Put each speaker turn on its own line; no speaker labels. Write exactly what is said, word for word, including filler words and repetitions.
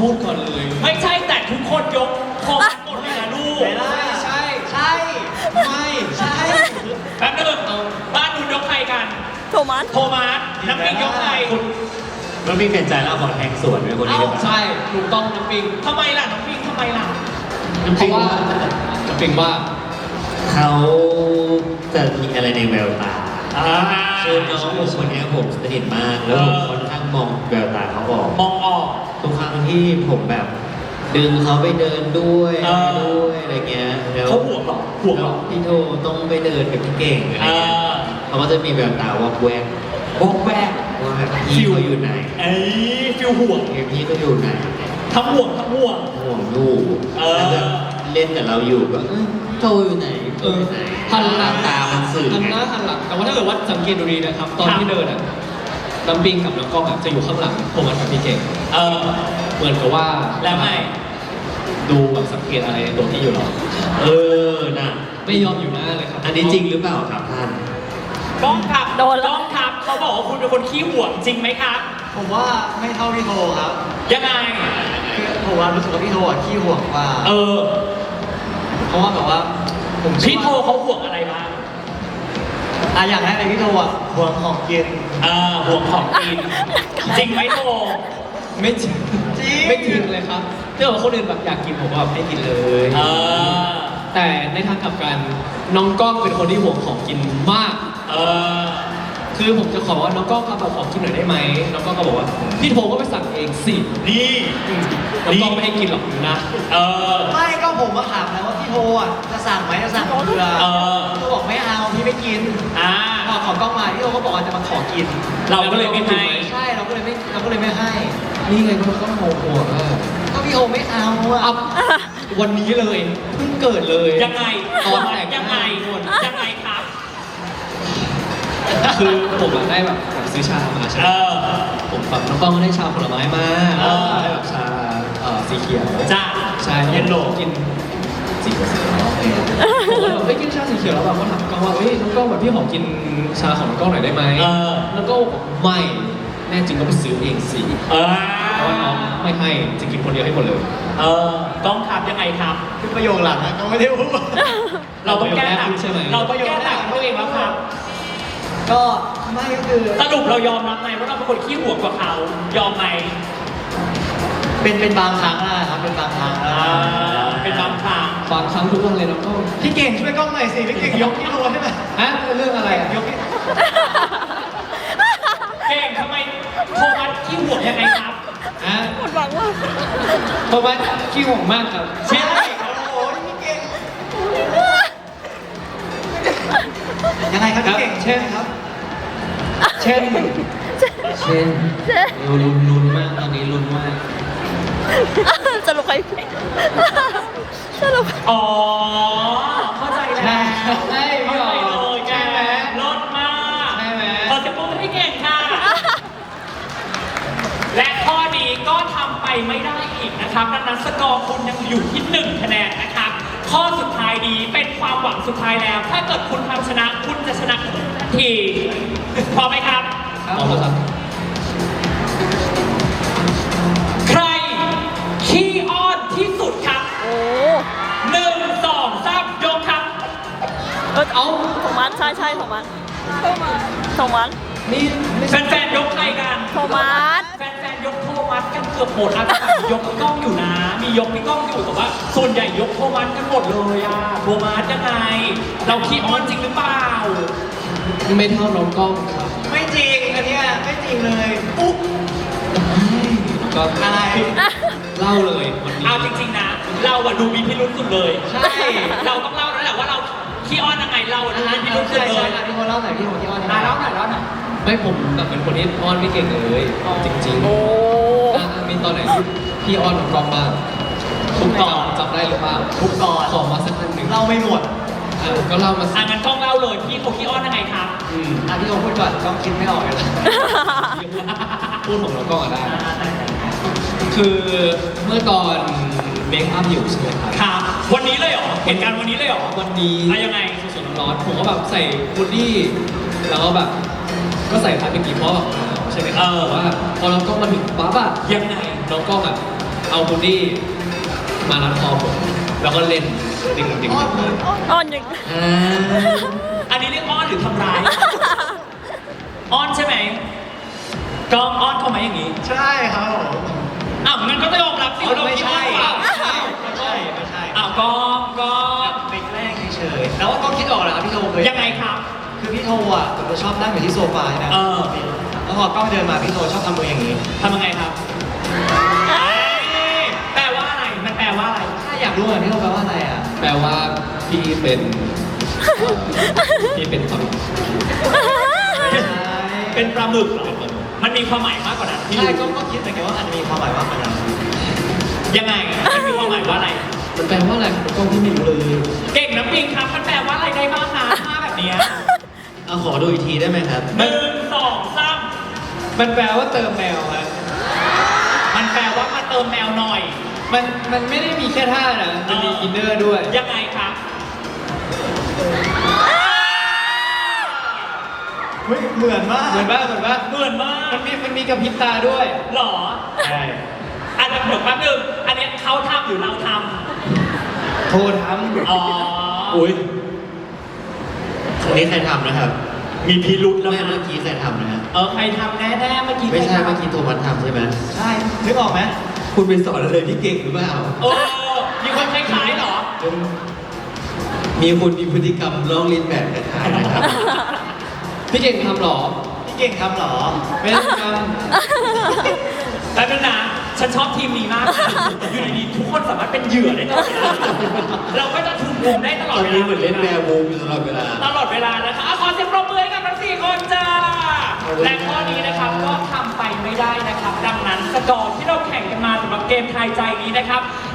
พูดก่อนเลยไม่ใช่แต่ทุกคนยกโทรมาหมดเลยนะลูก
ไม่ได้ใช่ใช่ไม่ใช่
แป๊บนึงบ้านคุณยกใครกัน
โทมัส
โทมัสน้ำปิงยกใคร
มันมีเปลี่ยนใจแล้วขอแทงสวนเป็นคนนี้หรือเปล่า
ใช่ถูกต้องน้ำปิง
ทำไมล่ะน้ำปิงทำไมล่ะ
เพราะว่าน้ำปิงว่า
เขาจะมีอะไรในแววตา
อ่า
คือน้องผมคนนี้ผมสนิทมากแล้วผมค่อนข้างมองแววตาเขาออก
มองออก
ทุกครั้งที่ผมแบบ ดึงเขาไปเดินด้วย
เออ
ด้วยอะไรเงี้ยแล้ว
เขาห่วงเหรอห่วงเหรอ
พี่โทต้องไปเดินกับพี่เก่งอะไรเงี้ย
เออ
เขาก็จะมีแววตาวอกแวก
วอกแวก
ว่าแบบพี่เขาอยู่ไหน
ไอ้ฟิลห่วง
พี่เขาอยู่ไหน
ทั้งห่วงทั้งห่วง
ห่วงอยู่
เออ
แล้วก็เล่นกับเราอยู่ก็เอ้ยโทอยู่ไหนโทอยู่ไหน
หันหลัง
ตามันสื่อ
หัน
ไง
หน้าหันหลังแต่ว่าถ้าเกิดว่าสังเกตดูดีนะครับ ตอน
ครับ
ที่เดินอ่ะน้ำปิงกับน้องกล้องอ่ะจะอยู่ข้างหลังโทมัสกับพี่เก่ง
เออ
เหมือนกับว่า
แล้วไง
ดูแบบสังเกตอะไรในตัวพี่อยู่หรอ
เออน่ะ
ไม่ยอมอยู่หน้าเลยครับ
อันนี้จริงหรือเปล่าครับท่าน
กล้องครับ
โดนแล้ว
กล้องครับเขาบอกว่าคุณเป็นคนขี้ห่วงจริงไหมครับ
ผมว่าไม่เท่าพี่โทครับ
ยังไง
คือผมว่ารู้สึกว่าพี่โทอ่ะขี้ห่วงกว่า
เออ
เพราะว่าแบบว่าผม
พี่โทเขาห่วงอะไรบ้าง
อ่ะอย่างแรกเลยพี่โทอ่ะห่วงของกิน
อ่าห่วงของกิน จริงไหมโท
ไม่จริง
จริง
ไม่จริงเลยครับถ้าเกิดว่าคนอื่นแบบอยากกินผมก็แบบให้กินเลย
เออ
แต่ในทางกลับกันน้องกล้องเป็นคนที่ห่วงของกินมาก
เออ
คือผมจะขอว่าน้องกล้องครับเอาของกินหน่อยได้ไหมน้องกล้องก็บอกว่าพี่โทก็ไปสั่งเองสิ
นี่
อืมน้องกล้องไม่ให้กินหรอกนะ
เออ
ไม่ก็ผมมาถามแล้วว่าพี่โทอ่ะจะสั่งไหมจะสั่งเกลือ
เออ
พี่โทบอกไม่เอาพี่ไม่กิน
อ่า
พอขอกล้องมาพี่โทก็บอกว่าจะมาขอกิน
เราก็เลยไม่ให้
ใช่เราก็เลยไม่เราก็เลยไม่ให้
นี่ไงก็ต้องโมโหอ่ะ
ก็พี่โทไม่เอาอ่ะ
อัพวันนี้เลยเพิ่งเกิดเลย
ยังไง
ตอนแต่ง
ยังไงยังไงครับ
คือผมอะได้แบบแบบซื้อชามาใช่ไห
เอ
ม
อ
ผมแบบน้องกล้องก็ได้ชาผลไม้มา
เออ
ได้แบบชาเอ่อสีเขียว
จ้า
ใช่
เย็นโหล
กินสีเขียวผมก็แบบเฮ้ยกินชาสีเขียวแล้วแบบก็ถามกล้องว่าเฮ้ยน้องกล้องแบบพี่ขอกินชาของน้องกล้องหน่อยได้ไหม
เออ
แล้วก็บอกไม่แน่จริงก็ไปซื้อเองสิ
เออ
เพราะว่าน้องไม่ให้จะกินคนเดียวให้หมดเลย
เออต้องครับยังไงครับ
คือประโยคหลังนะก็ไม่ได้พูด
เราต้องแก้ต่าง
ใช่ไหม
เราต้องแก้ต่างตัวเองแล้วครับ
ก็ไม่ก็คือ
สรุปเรายอมรับไหมว่าเราเป็นคนขี้ห่วงกว่าเขา ยอมไหม
เป็นเป็นบางครั้งนะครับเป็นบางครั้งนะ
อ่าเป็นบางครั้ง
บางครั้งทุกวันเลยน้องกล้อง
พี่เก่งช่วยกล้องหน่อยสิพี่เก่งยกพี่โทใช่ไหม
ฮะเรื่องอะไรอะ
ยกพี่
เก่งทำไมโทมัสขี้ห่วงยังไงครับ
ฮะ
หมดหวังว่า
เพราะว่าขี้ห่วงมากครับ
ใช่โอ้โหพี่เก่งยังไงครับพี่เก่ง
เช่น
ครับ
เช่น เช่นเราลุ้นลุ้นมากตอนนี้ลุ้นมาก
สรุปใครสรุป
อ๋อ เข้าใจแล้ว
ใช่ใช่
เข้าใจเลย
ใช่ไหม
ลดมาก
ใช่ไหม
ขอเสียงปรบมือให้เก่งค่ะ และข้อนี้ก็ทำไปไม่ได้อีกนะครับดังนั้นสกอร์คุณยังอยู่ที่หนึ่งคะแนนนะครับ ข้อสุดท้ายนี้เป็นความหวังสุดท้ายแล้ว ถ้าเกิดคุณทำชนะคุณจะชนะทันทีพร้อมไหมครับ
เอาละครับ
ใครขี้อ้อนที่สุดครับ
โอ้
หนึ่งสองสามยกครับ
เออเอาโทมัสใช่ใช่โทมัสโทมัส
นี่ไม่
แ
ใช่
ฟนๆยกใครกัน
โทมัส
แฟนๆยกโทมัสกันเกือบหมดอ่ะยกพี่ก้องอยู่นะ มียกพี่ก้องอยู่แต่ว่า ส่วนใหญ่ยกโทมัสกันหมดเลยอ่ะโทมัสยังไง เราขี้อ้อนจริงหรือเปล่า
ไม่เท่าน้องกล้องครับ
ไม่จริงอันเนี้ยไม่จริงเลยอุ๊บ
ก็
อะไร
เล่าเลยวันนี้
เอาจริงๆนะ เราอะดูมีพิรุษสุดเลย
ใช่
เราต้องเล่าแล้วแหละว่าเราขี้อ้อนยังไงเราอะดูมีพิรุษสุด
ใช่
เล
ใช่
ย
อ่ะพี่โทเล่าหน่อยพี่โทที่อ้อน
อ่ะเล่าหน่อยเล่าหน่อย
ไม่ผมแบบเป็นคนที่อ้อนไม่เก่งเลย จริงๆ
โอ้
อ่ะมีตอนไหนที่พี่อ้อนน้องกล้องบ้าง
ทุกตอน
จำได้หรือเปล่า
ทุกตอน
ขอมาสักอันหนึ่ง
เล่าไม่หมด
อ่ะก็เล่ามาสิ
อ่ะงั้นต้องเล่าเลยพี่เขาขี้อ้อนยังไงครับ
อืม
อ่ะพี่โทพูดก่อนต้องคิดไม่ออกเลย
พูดของน้องกล้องอะได้ คือเมื่อตอนเมคอัพอยู่ใช่ไหมครับ
ครับ วันนี้เลยเหรอ เหตุการณ์วันนี้เลยเหรอ
วันนี้
อ่ะยังไง
สดๆร้อนๆผมก็แบบใส่ฮูดดี้แล้วก็แบบก็ใส่ท้ายเป็นกี่เพราะแบบหนาวใช่ไหมครับ
เออ
แต่ว่าพอน้องกล้องมาถึงปั๊บอะ
ยังไง
น้องกล้องอะเอาคุณดี้มารัดคอผมแล้วก็เล่นดึงดึง
อ่อนอย่าง
อ่า
อันนี้เรียกอ้อนหรือทำร้าย อ้อนใช่ไหมกองอ้อนเขาไหมอย่างนี้
ใช่ครับผม
อ้าวงั้นก็ต้องยอมรับสิว่าเรา
ไม่
คิด
ใช่
ว่า
ไม่ใช่ไม่ใช่ไม่ใช่
อ้าวกองกอง
ไปแกล้งเฉยๆแล้วก็คิดออกแล้วครับพี่โทเคย
ยังไงครับ
คือพี่โทอ่ะผมจะชอบนั่งอยู่ที่โซฟาใช่ไหม
เออ
แล้วพอกล้องเดินมาพี่โทชอบทำมืออย่างนี้
ทำยังไงครับเอ้ยแปลว่าอะไร มันแปลว่าอะไร
ถ้าอยากรู้อ่ะพี่โทแปลว่าอะไรอ่ะ
แปลว่าพี่เป็นเอ่อพี่เป็นความ
เป็นปลาหมึกเหรอมันมีความหมายมากกว่านั้นพี่
ใช่
รู้
ก็ก็คิดเหมือนกันว่าอาจจะมีความหมายว่ามันอะไร
ยังไงมันมีความหมายว่าอะไร
มันแปลว่าอะไรผมก็พี่ไม่รู้เลย
เก่งน้ำปิงครับ มันแปลว่าอะไรได้บ้างคะท่าแบบเนี้ย
เอาขอดูอีกทีได้ไหมครับ
หนึ่งสองสาม
มันแปลว่าเติมแมวครับ
มันแปลว่ามาเติมแมวหน่อย
มันมันไม่ได้มีแค่ท่านะมันมีอินเนอร์ด้วย
ยังไงครับ
เฮ้ยเหมือนมาก
เหมือนว่าเหมือนว่า
เหมือนมาก
มันมีมันมีกระพริบตาด้วย
หรอ
ใช่
อันนั้นเดี๋ยวแป๊บนึงอันเนี้ยเขาทำหรือเราท
โทรท
ำอ๋อ
อุ้ยครั้งนี้ใครทำนะครับ
มีพิรุษแล้ว
ไม่
นะ
เมื่อกี้ใครทำนะฮะ
เออใครทำแน่ๆเมื่อกี้
ไม่ใช่
ใครทำ
เมื่อกี้โทมัสทำใช่ไหม
ใช่นึกออกไหม
คุณไปสอนอะไรพี่เก่งหรือเปล่า
โอ้มีคนคล้ายๆเหรอ
มีคุณมีพฤติกรรมลอกเลียนแบบคล้ายๆนะครับ
ำพี่เก่งทำเหรอ
พี่เก่งทำเหรอ
ไม่ได้ท
แป๊บนึงนะ ฉันชอบทีมนี้มากนะอยู่ดีๆทุกคนสามารถเป็นเหยื่อได้ตลอดเวลาเราก็จะถูกมุมได้ตลอ
ต
ด
อน
เวลา
นี้เหมือนเล่นแวร์วูฟอยู่ตลอดเวลา
ตลอดเวลานะคะอ่ะขอเสียงปรบมือให้กับทั้งสี่คนจ้า และข้อนี้นะครับก็ทำไปไม่ได้นะครับ ดังนั้นสกอร์ที่เราแข่งกันมาสำหรับเกมทายใจนี้นะครับ